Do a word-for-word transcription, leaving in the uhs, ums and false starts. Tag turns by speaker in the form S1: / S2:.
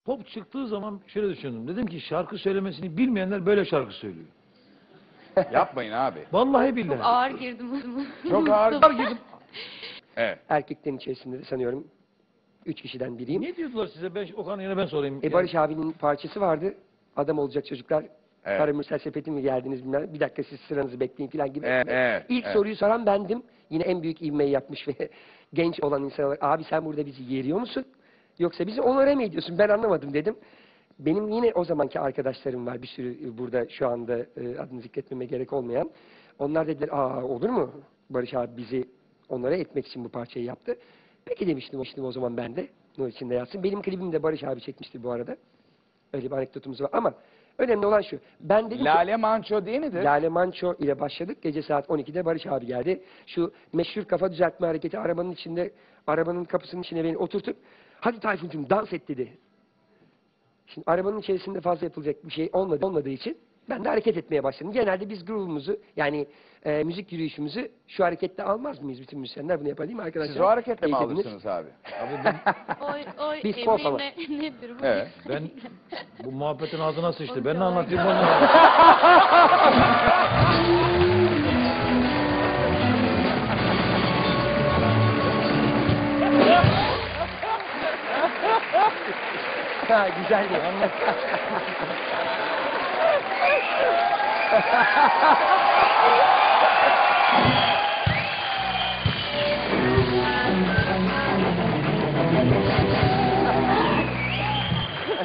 S1: Pop çıktığı zaman şöyle düşündüm. Dedim ki şarkı söylemesini bilmeyenler böyle şarkı söylüyor.
S2: Yapmayın abi.
S1: Vallahi billahi.
S3: Çok ağır girdim.
S2: Çok ağır girdim. Evet.
S4: Erkeklerin içerisinde de sanıyorum üç kişiden biriyim.
S1: Ne diyordular size? Ben, Okan yine ben sorayım.
S4: E Barış abinin parçası vardı. Adam olacak çocuklar.
S2: Evet.
S4: Karamürsel sepeti mi geldiniz bilmem. Bir dakika siz sıranızı bekleyin falan gibi.
S2: Evet, evet,
S4: İlk
S2: evet.
S4: soruyu soran bendim. Yine en büyük ivmeyi yapmış ve genç olan insan olarak abi sen burada bizi yeriyor musun? Yoksa bizi onore mi ediyorsun? Ben anlamadım dedim. Benim yine o zamanki arkadaşlarım var. Bir sürü burada şu anda e, adını zikretmeme gerek olmayan. Onlar dediler aa olur mu? Barış abi bizi onore etmek için bu parçayı yaptı. Peki demiştim, demiştim o zaman ben de. Nur içinde yatsın. Benim klibimi de Barış abi çekmişti bu arada. Öyle bir anekdotumuz var ama önemli olan şu. Ben dedim ki,
S2: Lale Manço değil midir?
S4: Lale Manço ile başladık. Gece saat on ikide Barış abi geldi. Şu meşhur kafa düzeltme hareketi arabanın içinde, arabanın kapısının içine beni oturtup hadi Tayfun'cum dans et dedi. Şimdi arabanın içerisinde fazla yapılacak bir şey olmadı, olmadığı için ben de hareket etmeye başladım. Genelde biz groove'umuzu yani e, müzik yürüyüşümüzü şu harekette almaz mıyız bütün müzisyenler? Bunu yapalım arkadaşlar.
S2: Siz o hareketle mi
S4: Teyze binir.
S2: alırsınız abi?
S1: Abi ben,
S3: Oy oy
S4: Biz pop ama.
S3: Emine nedir bu?
S2: Evet.
S1: ben bu muhabbetin ağzına sıçtı.
S3: Onu
S1: Ben ne
S3: çok
S1: anlatayım
S3: merak
S1: onu?
S4: Ha güzel bir anlat.